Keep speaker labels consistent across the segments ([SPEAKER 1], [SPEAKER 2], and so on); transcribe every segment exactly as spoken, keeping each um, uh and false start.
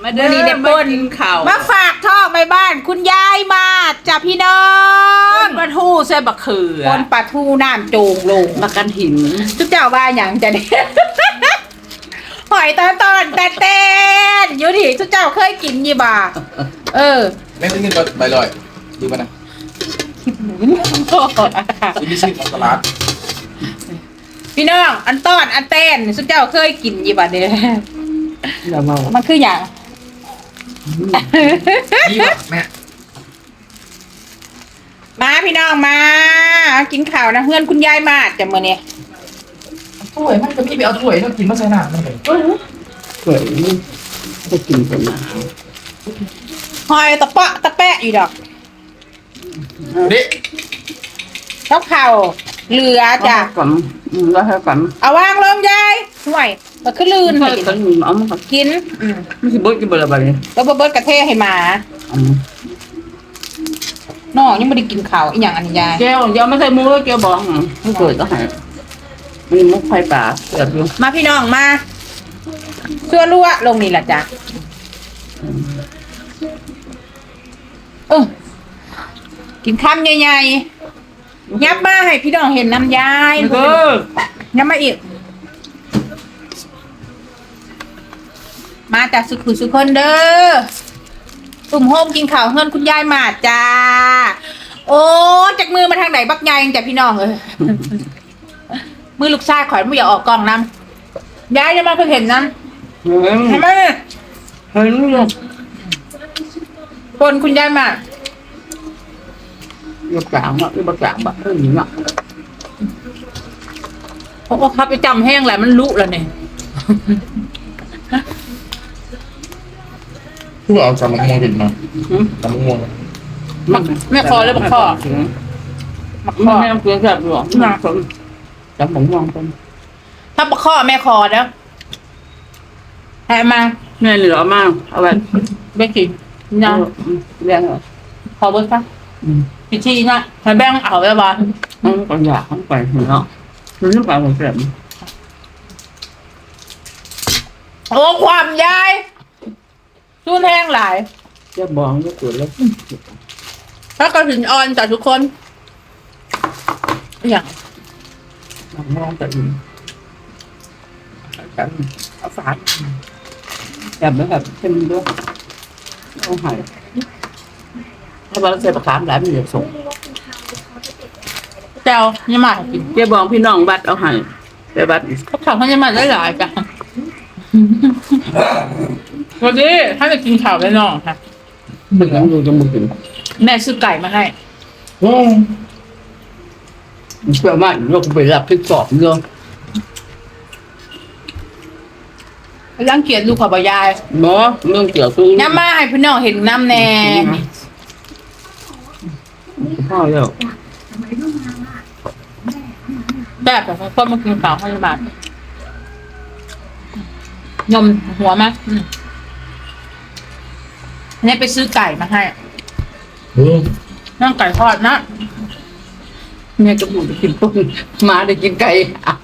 [SPEAKER 1] มาเด้อนี่เด็ดปนข่าว
[SPEAKER 2] มาฝากท่อไปบ้านคุณยายมาจ้ะพี่น้อง
[SPEAKER 1] ปลาทูใส่บักเขือ
[SPEAKER 2] ปนปลาทูน้ำโจงลง
[SPEAKER 1] มากันหิน
[SPEAKER 2] ทุกเจ้าว่าอย่างจะเนี่ยหอยตอนตอนแต่เต้นอยู่ดิทุกเจ้าเคยกินยี่บ่าเออ
[SPEAKER 3] แม่ต้องกินใบลอยดีป่ะนะซื้อไม่ซื้อของตลาด
[SPEAKER 2] พี่น้องอันต้อนอันเต้นทุกเจ้าเคยกินยี่บ่าเนี่ยมันคืออย่าง
[SPEAKER 3] นี่ป่ะแม่
[SPEAKER 2] มาพี่น้องมากินข่าวนะเพื่อนคุณยายมาจะมาเนี่ย
[SPEAKER 3] ถ้วยมันก็มีไปเอาถ้วยต้องกินมาใส่น้ำมันเลย
[SPEAKER 1] ถ้วยจะกินเป็นน้
[SPEAKER 2] ำหอยตะเปาะตะแปะอยู่ดอก
[SPEAKER 3] เด็ก
[SPEAKER 2] ข้าวข่าวเหลือจ้ะ
[SPEAKER 1] ก่อนก็ให้ก่อน
[SPEAKER 2] เอาวางลงยายห่วยมันขึ้นลื่น
[SPEAKER 1] ให้กินเอามา
[SPEAKER 2] กิน
[SPEAKER 1] ไม่ใช่เบิร์ดกินเบอร์อะไร
[SPEAKER 2] แล้วเบิร์ดกระเทให้มาน้องยังไม่ได้กินข่าวอีกอย่างอันยาย
[SPEAKER 1] แก้วเดี๋ยวไม่ใส่มุกแล้วแก้วบอกไม่เกิดก็หายมีมุกไฟป่าเกิดอยู่
[SPEAKER 2] มาพี่น้องมาชั่วรั่วลงนี่แหละจ้ะเออกินคำใหญ่ๆยับมาให้พี่น้องเห็นน้ำยาย
[SPEAKER 1] เออ
[SPEAKER 2] ยับมาอีกมาจากสุขุสุคนเด้อตุ่มโฮมกินข่าวเฮือนคุณยายมาจ้าโอ้จากมือมาทางไหนบักใหญ่จ้ะพี่น้องเออมือลูกชายขอยไม่อยากออกกล้องน้ำยายจะมาเพิ่งเห็นน้ำเห็นไหม
[SPEAKER 1] เห็นอยู่
[SPEAKER 2] คนคุณยายมา
[SPEAKER 1] บักกางอ่ะบักกางบักเพิ่งหินอ่ะ
[SPEAKER 2] โอ้ครับไปจำแห้งแหละมันลุแล้วเนี่ย
[SPEAKER 3] ผู้เอาจำมะม่วงกินมาจำมะม่วง
[SPEAKER 2] มักแม่คอแล้วบักคอ
[SPEAKER 1] มักคอแม่เกลือแซ่บหรอน่าสนจำผมมองเป็น
[SPEAKER 2] ถ้าบักคอแม่คอแล้วแหมา
[SPEAKER 1] แม่เหลือมากเอาไป
[SPEAKER 2] เบกกี้ยัง
[SPEAKER 1] แบ่งเหรอ
[SPEAKER 2] ขอเบิร์ดค่ะพิธีนะให้แบ่งเอาไว้บ้าน
[SPEAKER 1] ต้องไปอยากต้องไปเนาะรู้สึกว่าผมเจ็บ
[SPEAKER 2] โอ้ความยายสู้แห้งหลาย
[SPEAKER 1] จะบองก็ปวดแล้ว
[SPEAKER 2] ถ้ากระถิ่นอ่อนจากทุกคนอย่าง
[SPEAKER 1] มองแต่ดีกันเอาฝาดแบบแบบแบบเข้มด้วยเอาหายถ้าเราใส่ปลาคามหลายมันจะส่ง
[SPEAKER 2] แก้วยี่หมากิน
[SPEAKER 1] เจ้าบองพี่น้องบัดเอาหายไปบัด
[SPEAKER 2] เขาข่าวเขายี่หมาได้หลายกันวันนี้ถ้าจะกินข่าวได้น้องค่ะ
[SPEAKER 1] มึงดูจะมึงกิน
[SPEAKER 2] แม่ซื้อไก่มาให้
[SPEAKER 1] เชื่อมากเราไปรับที่สอบเรื่อง
[SPEAKER 2] ร่างเกียรติลูกขอบยาย
[SPEAKER 1] เนาะเรื่องเกี่ยวกับ
[SPEAKER 2] ย่ามาให้พี่น้องเห็นน้ำแน่
[SPEAKER 1] พ่อแล้ว
[SPEAKER 2] แบบแบบพ่อมากินข่าวให้บ้านยมหัวไหมนี่ไปซื้อไก่มาให้นั่งไก่ทอดนะ
[SPEAKER 1] แม่กระบุได้กินต้นมาได้กินไก่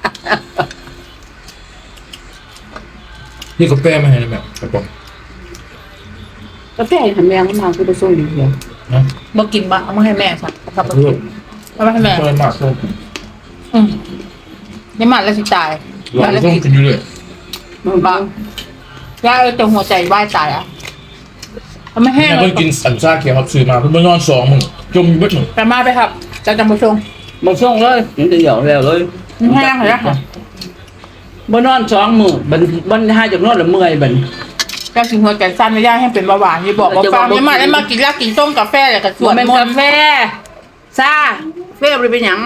[SPEAKER 3] นี่กาแฟมาให้แบบกระป๋อง
[SPEAKER 1] กาแฟทำแมงมาคือไปส่งดีเลย
[SPEAKER 3] นะ
[SPEAKER 2] มากินบ้างเอามาให้แม่สักครับเอามาให้แม่
[SPEAKER 3] เปิดมาส่ง
[SPEAKER 2] อืมนี่มันแล้วสิตาย
[SPEAKER 3] แล้วส่งกินอยู่เลย
[SPEAKER 2] มันบ้างย่าเออแต่หัวใจไหวตายอ่ะทำไมแห้ง
[SPEAKER 3] เพิ่งกินสันซ่าเขียวครับซื้อมาเพิ่งไปนอนสองมึงจมอยู่เบิดมึง
[SPEAKER 2] แต่มาไปครับจะจำมาชง
[SPEAKER 1] มาส่งเลยนี่จะหยอกแล้วเลย
[SPEAKER 2] แห้งเหรอ
[SPEAKER 1] บนนอนสองมือบันบันห้าจากนอนละเมื่อยบัน
[SPEAKER 2] ก็ถึงหัวใจสั้นไม่ได้ให้เป็นเบาหวานที่บอกว่าฟังไม่มาได้มากินแล้วกินต้มกาแฟเลยกับส่วน
[SPEAKER 1] มันกาแฟซาเฟ่ไปเป็นหยัง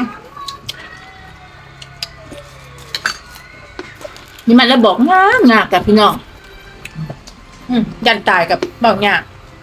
[SPEAKER 2] นี่มันแล้วบอกงามงากับพี่น้องยันตายกับบอกงา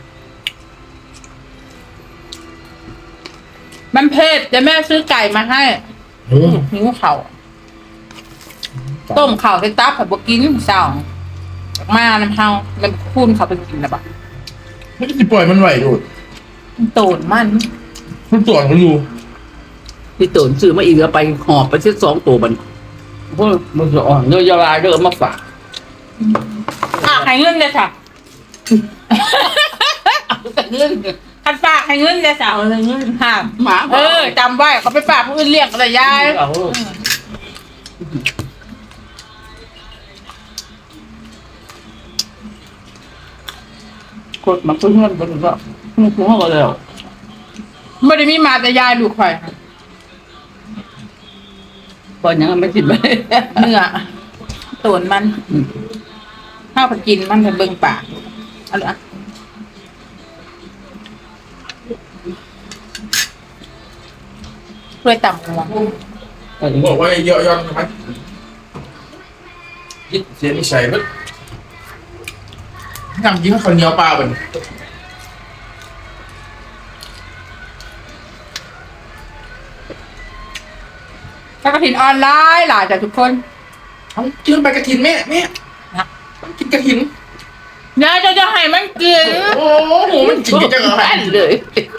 [SPEAKER 2] มันเผ็ดแต่แม่ซื้อไก่มาให้หิวเข่าต้มเข่าใส่ตับผัดบกินสาวมาน้ำเฮาแล้วคูนเขาไปกินแล้วปะ
[SPEAKER 3] ไม่ได้ปล่อยมันไหวดู
[SPEAKER 2] โตนมัน
[SPEAKER 3] มันตัวมันอยู่
[SPEAKER 1] พี่ตูนซื้อมาอีกแล้วไปหอบไปเช็ดสองตัวมันพวกมันจะอ่อนเนื้อยาลายเด้อมาฝาก
[SPEAKER 2] อ่ะให้เงินเลยค่ะ
[SPEAKER 1] แต่เงิน
[SPEAKER 2] คันฝากให้เงินจะสาวเลยเงินห้าม
[SPEAKER 1] หมา
[SPEAKER 2] เออจำไว้เขาไปฝากผู้อื่นเลี้ยงอะไรยาย
[SPEAKER 1] เอากดมาเพื่อนๆไปเลยก็มึงคุ้มเขาแล้ว
[SPEAKER 2] ไม่ได้มีมาแต่ยายลูกข่อย
[SPEAKER 1] ก่อนยังไม่กินไป
[SPEAKER 2] เนื้อตูนมันข้าวผัดกินมันจะเบิ่งปากเอาละเพื่อต่ำหัว
[SPEAKER 3] ผมบอกว่าเยอะย้อนใช่ไหมยึดเสียนิสัยมั้ยทำยิ้มให้คนเหนียวปลาเป็น
[SPEAKER 2] ถ้ากระถินออนไลน์หล่ะจ้ะทุกคน
[SPEAKER 3] เอาจืนไปกระถินแม่แม่ต้องกินกระถิน
[SPEAKER 2] ยายจะจะให้มันกิน
[SPEAKER 3] โอ้โหมันกินกันจังเหรอ
[SPEAKER 1] แป้นเลย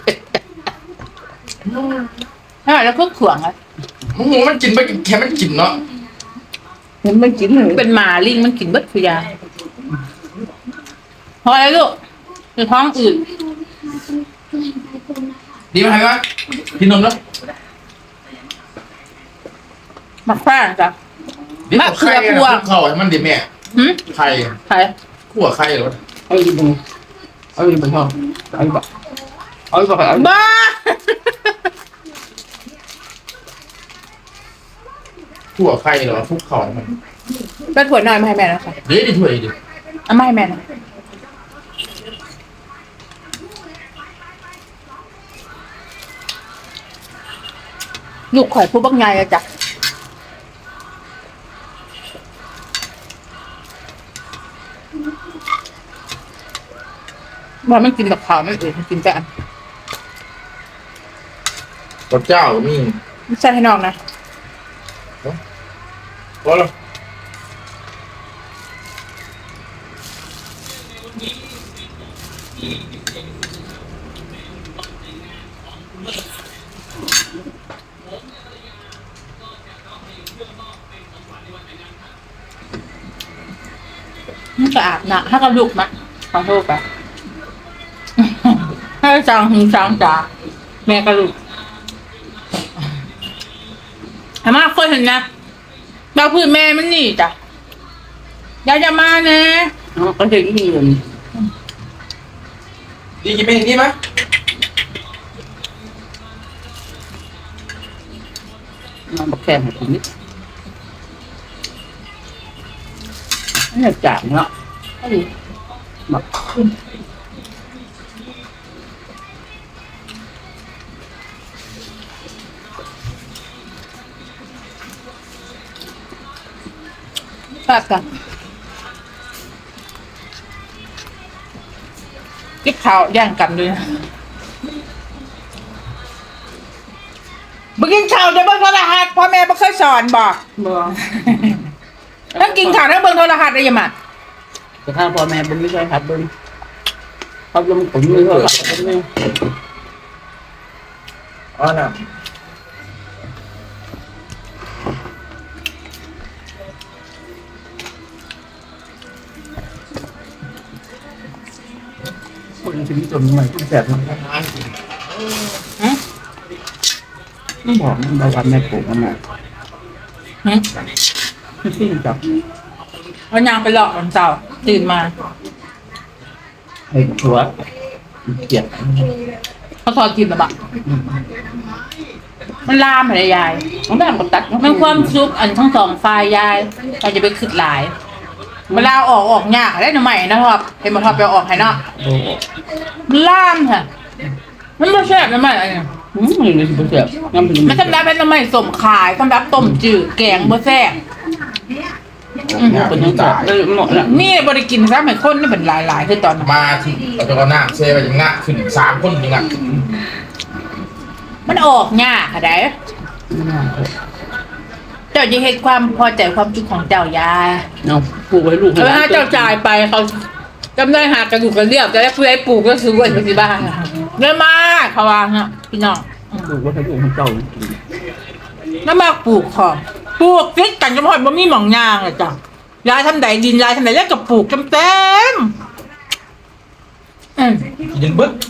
[SPEAKER 2] ใช่แล้วเครื่องขวางอะ
[SPEAKER 3] โอ้โหมันกินไปแค่มันกินเนาะ
[SPEAKER 1] เห็นไม่กินเลย
[SPEAKER 2] เป็นหมาลิงมันกินเบิดคือยาพอแล้วลูกคือท้องอืด
[SPEAKER 3] ดีไหมครับกินนมแล้ว
[SPEAKER 2] มักแป้งจ้ะ
[SPEAKER 3] นี่ขอไข่นะคุกเข่าให้มันดิแม่
[SPEAKER 2] หืม
[SPEAKER 3] ไข่
[SPEAKER 2] ใคร
[SPEAKER 3] ขั่วไข่เหรอ
[SPEAKER 1] เอาอีกบุเอาอีกบุเอาเอาอีกบุเอาอีกบุเอาอีก
[SPEAKER 2] บ้า
[SPEAKER 3] ขั่วไข่เหรอคุกเข่ามัน
[SPEAKER 2] ไปถั่วหน่อยมาให้แม่นะคะ
[SPEAKER 3] เดี๋ยวดิถ้วยดิ
[SPEAKER 2] เอามาให้แม่หนะลูกข่อยผู้บักไงอะจ้ะว่ามันกินกับข้าวไม่อื่นมันกินแต่อัน
[SPEAKER 3] กับเจ้ามี
[SPEAKER 2] ไม่ใช่ให้น้องนะ
[SPEAKER 3] พอแล้ว
[SPEAKER 2] มันสะอาดนะถ้ากระดูกนะขอโทษไป ให้จังหึงจังจ๋าแม่กระดูกอามาเคยเห็นนะเราพูดแม่มันนี่จ้ะยายจะมาเนะ
[SPEAKER 1] ก็จะยิ่งเงิน
[SPEAKER 3] ดีกินไปอย่างนี้ไหม
[SPEAKER 1] มันมาแข่งกับนิดนี่จางเนาะมา
[SPEAKER 2] แป๊บกันกิ๊บข่าวแย่งกันด้วยนะบึกินข่าวจะเบิ่งโทรทัศน์พ่อแม่บ่เคยสอนบอก
[SPEAKER 1] บ่
[SPEAKER 2] ถ้ากินข่าวถ้าเบิ่งโทรทัศน์ได้ยังไง
[SPEAKER 1] แต่ถ้าพ่อแม่ผมไม่ใช่ครับเบิ้งเขาลงผมมือเขาหลับผมไม่
[SPEAKER 3] อ๋อน่ะ
[SPEAKER 1] คนชีวิตจนใหม่ที่แสบมันต้องบอกมันบางวันแม่ปลูกมันมาไม่สิ้นจับ
[SPEAKER 2] วันยางไปหลอกวันเสาร์ตื่นมา
[SPEAKER 1] ให้ชัวเกลียด
[SPEAKER 2] เขาทอดกินหรือเปล่ามันลามอะไรยาย
[SPEAKER 1] มันได้มันตัด
[SPEAKER 2] มันความซุกอันทั้งสองฝ่ายยายเราจะไปขึ้นหลายเวลาออกออกยากได้หน่อใหม่นะครับเห็นมาทอดไปออกให้เนาะ
[SPEAKER 1] โอ้
[SPEAKER 2] มันล่ามค่ะมันไม่แซ่บหน่อใหม่อะไรเนี่ย
[SPEAKER 1] หืมมันเลยสิบ่แซ่บน้ำเป็น
[SPEAKER 2] มันสำหรับเป็นหน่อใหม่สมขายสำหรับต้มจืดแกงบ่แซ่บ
[SPEAKER 1] คนยังจับเลยหมดละ
[SPEAKER 2] นี่บริกินซะเหมือนคนนี่เป็นหลายๆคือตอนนั้น
[SPEAKER 3] มาที่เราจะเอาหน้าเซไปอย่างงักขึ้นสามคนอย่างงัก
[SPEAKER 2] มันออกยากค่ะได้เจ้าจะเห็นความพอใจความจุกของเจ้ายาย
[SPEAKER 1] เอาปลูกไว้ลูก
[SPEAKER 2] แล้วถ้าเจ้าจ่ายไปเขาจำได้หากระดูกกระเรียบจะได้ผู้ใดปลูกก็ซื้อไว้ที่บ้านเยอะมากเขาวางเนาะพี่น้อง
[SPEAKER 1] ปลูกไว้ให้ลูกให้เจ้า
[SPEAKER 2] แล้วมาปลูกของปลูกฟิกกันจำพอดบ่มีหม่องยางเลยจ้ะยายทำไดดินยายทำไดแล้วก็ปลูกเต็มเต็ม
[SPEAKER 3] ยินบึ้ง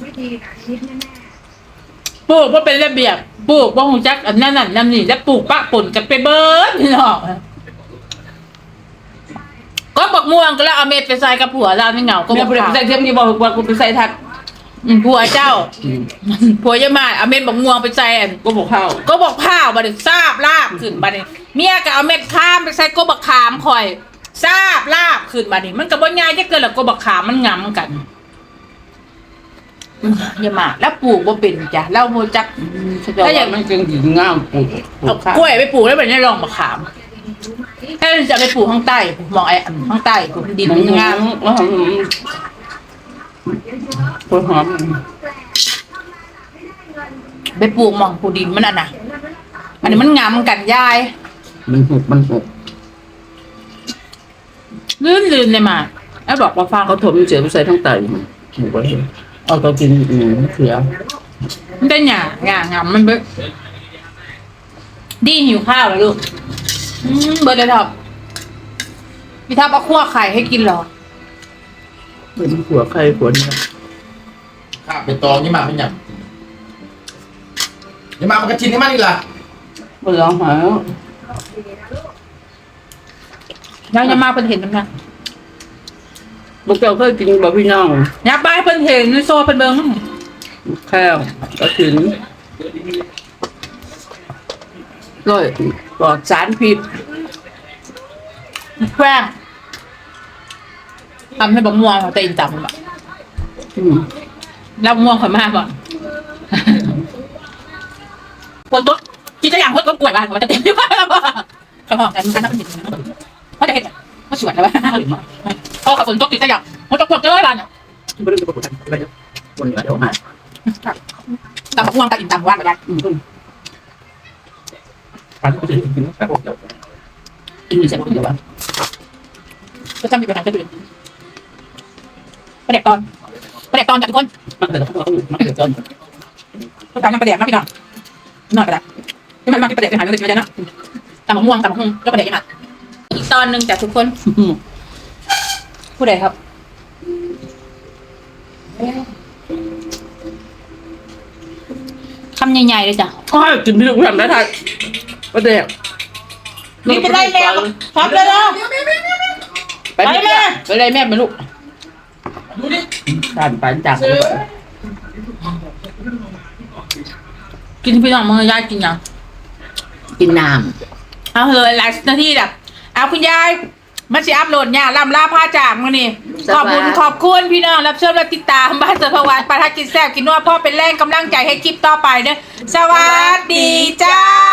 [SPEAKER 2] ปลูกว่าเป็นระเบียบปลูกว่าหงจักอันนั้นนั่นนั่นนี่แล้วปลูกปะป่นกันไปเบิร์ดพี่น้องก็บอกม่วงก็แล้วเอาเม็ดไปใส่กับผัวเราไม่เหงาก็
[SPEAKER 1] ก็
[SPEAKER 2] บบ อ
[SPEAKER 1] อก ก
[SPEAKER 2] ผัว
[SPEAKER 1] ใส่เทียมนี่บอกว่ากูไปใส่ทัด
[SPEAKER 2] ผัวเจ้าผัวยายมาเอาเม็ดบอกม่วงไปใส่อัน
[SPEAKER 1] ก็บอกข้าว
[SPEAKER 2] ก็บอกผ้าบัดนี้ทราบลาบขึ้นบัดนี้เมียก็เอาเม็ดข้ามไปใส่ก็บักขามคอยทราบลาบขึ้นบัดนี้มันก็บ่ง่ายจะเกินแล้วก็บักขามมันงำกันอย่ามาแล้วปลูกบ่เป็นจ้ะแล้วโมจัก
[SPEAKER 1] ถ้าอย่างมันจึงหญิงงามปลูกปลู
[SPEAKER 2] เอา
[SPEAKER 1] กข้าว
[SPEAKER 2] กล้วยไปปลูกแล้วแบบนี้ลองบักขามถ้าจะไปปลูกข้างใต้มองไอ้อันข้างใต้ปลูกดินมันงาม
[SPEAKER 1] แล้วหัวหอม
[SPEAKER 2] ไปปลูกหมองปลูกดินมันอันน่ะ อันนี้มันงามกันยาย
[SPEAKER 1] มันหุบมันหุบ
[SPEAKER 2] ลื่นลื่นเลยมาแล้วบอกว่าฟัง
[SPEAKER 1] เขาถมเสียไปใส่ทั้งไตหมูไว้เอาตัวกินหมูเขือ
[SPEAKER 2] มันได้หยาหยางามมันเบิดดีหิวข้าวแล้วลูกอืมเบิร์ดเลยท็อปพี่ท็อปเอาคั่วไข่ให้กินเหรอ
[SPEAKER 1] เป็นหัวใครหัวเนี่ย
[SPEAKER 3] ข้าไปตองยี่มาเป็นอย่างยี่มามันกระชินให้มันอีกล่ะ
[SPEAKER 1] มันร้องหาย
[SPEAKER 2] ยังยังมาเพิ่นเห็นมั้ย
[SPEAKER 1] บุกเจ้าเคยกินบะพี่น้อง
[SPEAKER 2] ยับไปเพิ่นเห็นในโซ่เพิ่นเบิ่ง
[SPEAKER 1] แข้วกระถินร้อยปลอดสารพิษ
[SPEAKER 2] แกล้งทำให้บะม่วงเขาเต็มจำแบบ
[SPEAKER 1] อืม
[SPEAKER 2] แล้วม่วงข่อยมากก่อนคนตุ๊ดคิดจะอย่างคนตุ๊ดกล้วยบ้านเขาจะเต็มที่บ้านแล้วก็เขาบอกแต่มันน่าเป็นสิ่งนั้นเขาจะเห็นเขาสวยแล้วเขาขับฝนตุ๊ดคิดจะอย่างเขาจะกดเจอบ้านเนี่ย
[SPEAKER 1] ไม่ได้ประกวดอะไรเยอะคนเดียวหาย
[SPEAKER 2] ตำบะม่วงตำอินตำว่านไปได้
[SPEAKER 1] อืมการที่จะกินแค่พวกเดียวกินมีเสียงคนเดียวอ่ะ
[SPEAKER 2] ก็จำมีปัญหาจะดื่มประเด็กตอนประเด็กตอนจากทุกคน
[SPEAKER 1] มันแต่ต้องมันเดือดร้อน
[SPEAKER 2] ก็ตามน้ำประเด็กนะพี่น้องนอนไปละที่มันมาที่ประเด็กไปหาเงินเลยนะตำมะม่วงตำมะฮุ่งแล้วประเด็กยังไงอีกตอนหนึ่งจากทุกคนผู้ใดครับคำใหญ่ๆเลยจ้ะ
[SPEAKER 1] ก็ให้กินพี่ลูกทำได้ทันประเดี๋ยว
[SPEAKER 2] นี่เป็นไรแม่ครับเลยนะ
[SPEAKER 1] ไปแม่ไปเลยแม่ไปลูก
[SPEAKER 3] ดูดิ
[SPEAKER 1] ทานไปจาก
[SPEAKER 2] กินพี่น้องมึงยายกินยัง
[SPEAKER 1] กินน้
[SPEAKER 2] เอาเลยหลายนาทีแบบเอาคุณยายมันสิอัพโหลดเนี่ยลำลาผ้าจากมือนี่ขอบคุณขอบคุณพี่น้องรับชมและติดตามบ้านเสือพวันประทัดกินแซ่บกินนัวพ่อเป็นแรงกำลังใจให้คลิปต่อไปเด้อสวัสดีจ้า